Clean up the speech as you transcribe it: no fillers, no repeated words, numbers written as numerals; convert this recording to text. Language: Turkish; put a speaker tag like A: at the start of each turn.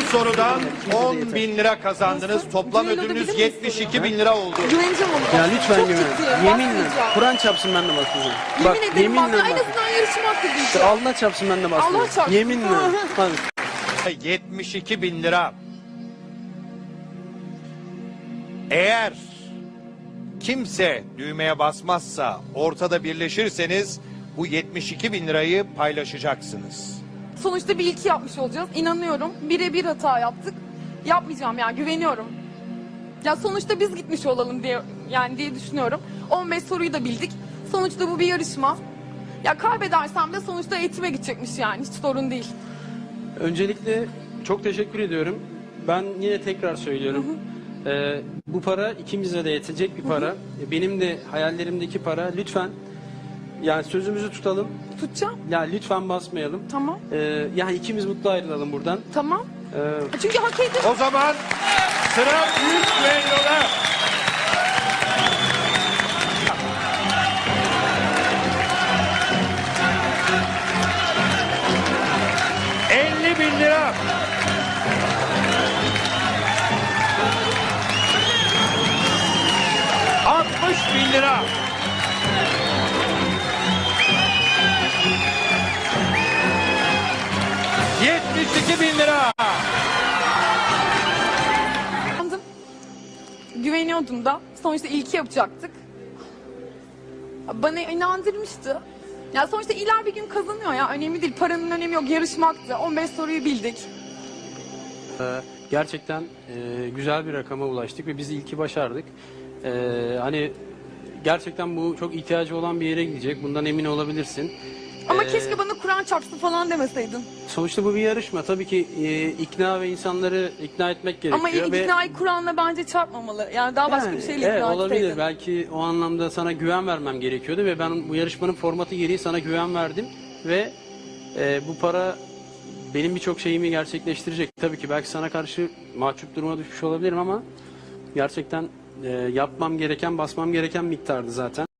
A: sorudan 10.000 lira kazandınız.
B: Nasıl?
A: Toplam
B: Düelloda
A: ödülünüz
B: bilir miyiz
A: 72.000 lira oldu.
B: Güveneceğim ona.
C: Ya lütfen
B: Çok
C: güven.
B: ciddiyim,
C: Yeminle.
B: basmayacağım.
C: Kur'an çarpsın ben de basmayacağım.
B: Yemin ederim bak. En
C: bak.
B: azından yarışma hakkı diyeceğim.
C: Allah çarpsın ben de basmayacağım.
B: Allah çarpsın.
C: Yeminle. Hadi.
A: 72.000 lira. Eğer kimse düğmeye basmazsa, ortada birleşirseniz bu 72.000 lirayı paylaşacaksınız.
B: Sonuçta bir ilki yapmış olacağız. İnanıyorum. Birebir hata yaptık. Yapmayacağım yani, güveniyorum. Ya sonuçta biz gitmiş olalım diye düşünüyorum. 15 soruyu da bildik. Sonuçta bu bir yarışma. Ya kaybedersem de sonuçta eğitime gidecekmiş yani. Hiç sorun değil.
C: Öncelikle çok teşekkür ediyorum. Ben yine tekrar söylüyorum. Bu para ikimize de yetecek bir para. Benim de hayallerimdeki para. Lütfen yani sözümüzü tutalım.
B: Tutacağım.
C: Ya lütfen basmayalım.
B: Tamam.
C: Yani ikimiz mutlu ayrılalım buradan.
B: Tamam.
C: Ee,
B: Çünkü hak ediyorum.
A: O zaman sıra büyük düelloda. ...50.000 lira. ...60.000 lira. ...72.000 lira.
B: Güveniyordum da. Sonuçta ilki yapacaktık. Bana inandırmıştı. Ya sonuçta iler bir gün kazanıyor ya. Önemli değil. Paranın önemi yok. Yarışmaktı. 15 soruyu bildik.
C: Gerçekten güzel bir rakama ulaştık ve biz ilki başardık. Hani gerçekten bu çok ihtiyacı olan bir yere gidecek. Bundan emin olabilirsin.
B: Ama keşke bana Kur'an çarpsın falan demeseydin.
C: Sonuçta bu bir yarışma. Tabii ki ikna ve insanları ikna etmek gerekiyor.
B: Ama iknayı Kur'an'la bence çarpmamalı. Yani daha başka bir şeyle
C: evet,
B: ikna
C: olabilir.
B: etseydin.
C: Belki o anlamda sana güven vermem gerekiyordu ve ben bu yarışmanın formatı gereği sana güven verdim ve bu para benim birçok şeyimi gerçekleştirecek. Tabii ki belki sana karşı mahcup duruma düşmüş olabilirim ama gerçekten yapmam gereken, basmam gereken miktardı zaten.